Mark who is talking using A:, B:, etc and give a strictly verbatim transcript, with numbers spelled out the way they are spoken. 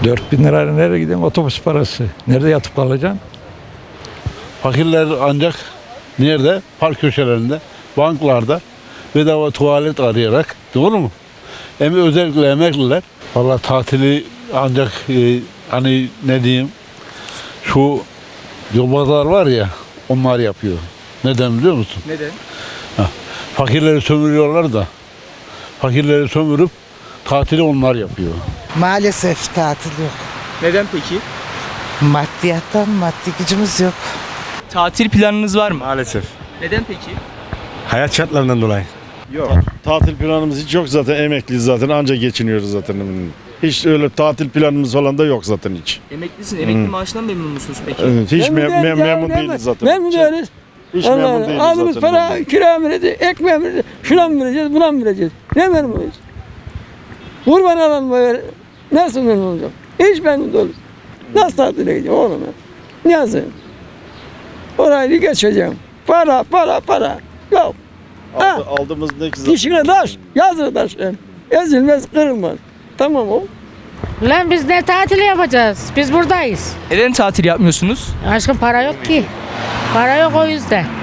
A: dört bin lirayla nereye gideyim? Otobüs parası. Nerede yatıp kalacaksın?
B: Fakirler ancak nerede? Park köşelerinde, banklarda bedava tuvalet arayarak, doğru mu? Hem özellikle emekliler. Valla tatili ancak e, hani ne diyeyim, şu yobazlar var ya, onlar yapıyor. Neden biliyor musun?
C: Neden?
B: Ha, fakirleri sömürüyorlar da, fakirleri sömürüp tatili onlar yapıyor.
D: Maalesef tatil yok.
C: Neden peki?
D: Maddiyattan maddi gücümüz yok.
C: Tatil planınız var mı?
E: Maalesef.
C: Neden peki?
E: Hayat şartlarından dolayı.
F: Yok. Tatil planımız hiç yok zaten, emekliyiz zaten, anca geçiniyoruz zaten. Hiç öyle tatil planımız falan da yok zaten hiç.
C: Emeklisin. Emekli maaşından memnun musunuz peki?
F: Evet, hiç
G: Memnun
F: me-
G: değiliz
F: me-
G: ya,
F: memnun
G: memnun-
F: değiliz zaten.
G: Memnun değiliz.
F: Hiç
G: Allah
F: memnun
G: Allah.
F: değiliz
G: Aldığımız
F: zaten.
G: para kira mı vereceğiz, ekmeğe mi vereceğiz, şuna mı vereceğiz, buna mı vereceğiz? Ne memnunuz? Kurban alan böyle nasıl memnun olacak? Hiç memnun değiliz. Nasıl tatile gideceğim oğlum ya? Nasıl? Orayı geçeceğim. Para, para, para. Yok. Ha,
F: Aldı- aldığımız ne ki zaten.
G: dişine taş, yazır taş. Ezilmez, kırılmaz. Tamam o.
H: Lan biz ne tatili yapacağız? Biz buradayız.
C: Neden tatil yapmıyorsunuz?
H: Aşkım para yok ki. Para yok o yüzden.